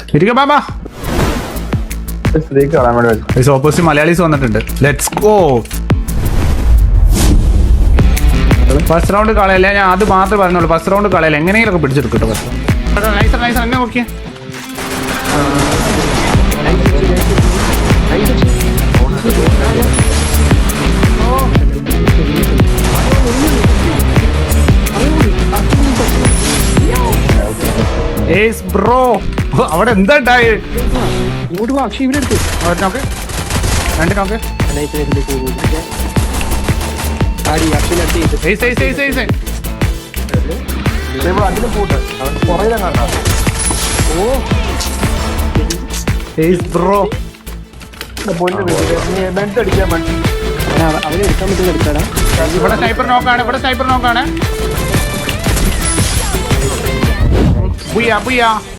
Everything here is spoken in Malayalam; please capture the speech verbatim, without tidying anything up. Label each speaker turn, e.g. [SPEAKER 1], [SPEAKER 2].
[SPEAKER 1] ഇരിക്ക ബാബാ. ഓപ്പോസിറ്റ് മലയാളീസ് വന്നിട്ടുണ്ട്. Let's go. ഫസ്റ്റ് റൗണ്ട് കളയല്ല, ഞാൻ അത് മാത്രമേ പറഞ്ഞുള്ളൂ. ഫസ്റ്റ് റൗണ്ട് കളയല്ല, എങ്ങനെയെങ്കിലും പിടിച്ചെടുക്കും കേട്ടോ. ഫസ്റ്റ് റൗണ്ട് നൈസർ നൈസർ എന്നെ നോക്കിയേ. ബ്രോ അവിടെ എന്താ ഉണ്ടായി? നോക്ക് രണ്ട് നോക്ക്. ബ്രോ ഇവിടെ സ്നൈപ്പർ നോക്കാണ്, ഇവിടെ സ്നൈപ്പർ നോക്കാണ്.